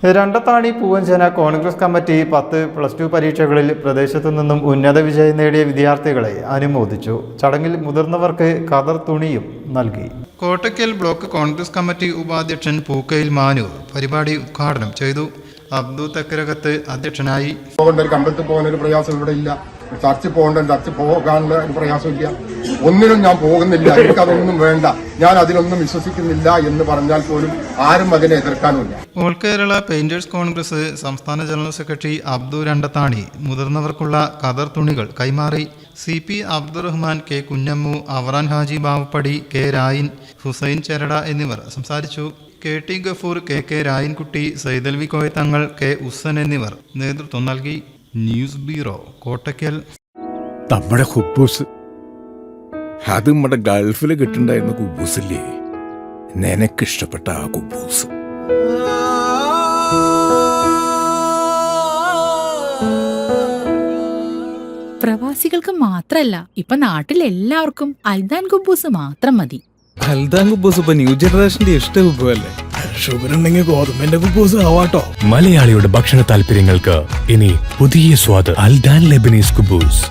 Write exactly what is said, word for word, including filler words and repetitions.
Randathani Poovanchana Congress committee പത്ത് plus two പരീക്ഷകളിൽ പ്രദേശത്തു നിന്നും ഉന്നത വിജയം നേടിയ വിദ്യാർത്ഥികളെ അനുമോദിച്ചു. ചടങ്ങിൽ മുതിർന്നവർക്ക് ഖദർ തുണിയും നൽകി. കോട്ടയ്ക്കൽ ബ്ലോക്ക് കോൺഗ്രസ് കമ്മിറ്റി ഉപാധ്യക്ഷൻ പൂക്കയിൽ മാനു പരിപാടി ഉദ്ഘാടനം ചെയ്തു. അബ്ദു തക്കരകത്ത് അധ്യക്ഷനായി. അമ്പലത്തിൽ പോകാൻ ഒരു പ്രയാസം ഇവിടെ ഇല്ല, ചർച്ചിൽ പോകേണ്ട ചർച്ചിൽ പോകാനുള്ള ഒരു പ്രയാസമില്ല, ഒന്നിനും ഞാൻ പോകുന്നില്ല, എനിക്കതൊന്നും വേണ്ട, ഞാൻ അതിലൊന്നും വിശ്വസിക്കുന്നില്ല എന്ന് പറഞ്ഞാൽ പോലും ആരും അതിനെ എതിർക്കാനുമില്ല. ഓൾ കേരള പെയിന്റേഴ്സ് കോൺഗ്രസ് സംസ്ഥാന ജനറൽ സെക്രട്ടറി അബ്ദു രണ്ടത്താണി മുതിർന്നവർക്കുള്ള ഖദർ തുണികൾ കൈമാറി. C P Abdurahman, K Kunhammu, Avaran Haji Bavappadi, K Rayin, Hussain Cherada എന്നിവർ സംസാരിച്ചു. K T Gafoor, K K Rayankutty, Saidalavi Koyathangal, K Ussan എന്നിവർ നേതൃത്വം നൽകി. News bureau, Kottakkal. നമ്മുടെ കുബൂസ് അത് നമ്മുടെ ഗൾഫിൽ കിട്ടുണ്ടായിരുന്ന കുബൂസില്ലേ, നിനക്കിഷ്ടപ്പെട്ട ആ കുബൂസ്. പ്രവാസികൾക്ക് മാത്രല്ല, ഇപ്പൊ നാട്ടിൽ എല്ലാവർക്കും അൽദാൻ കുബൂസ് മാത്രം മതി. അൽദാൻ കുബൂസ് ഇപ്പൊ ന്യൂ ജനറേഷന്റെ ഇഷ്ട കുബുവല്ലേ. ഷുഗർ ഉണ്ടെങ്കിൽ ഗോതമ്പിന്റെ കുബൂസ് ആവാട്ടോ. മലയാളിയുടെ ഭക്ഷണ താല്പര്യങ്ങൾക്ക് ഇനി പുതിയ സ്വാദ്. അൽദാൻ ലെബനീസ് കുബൂസ്.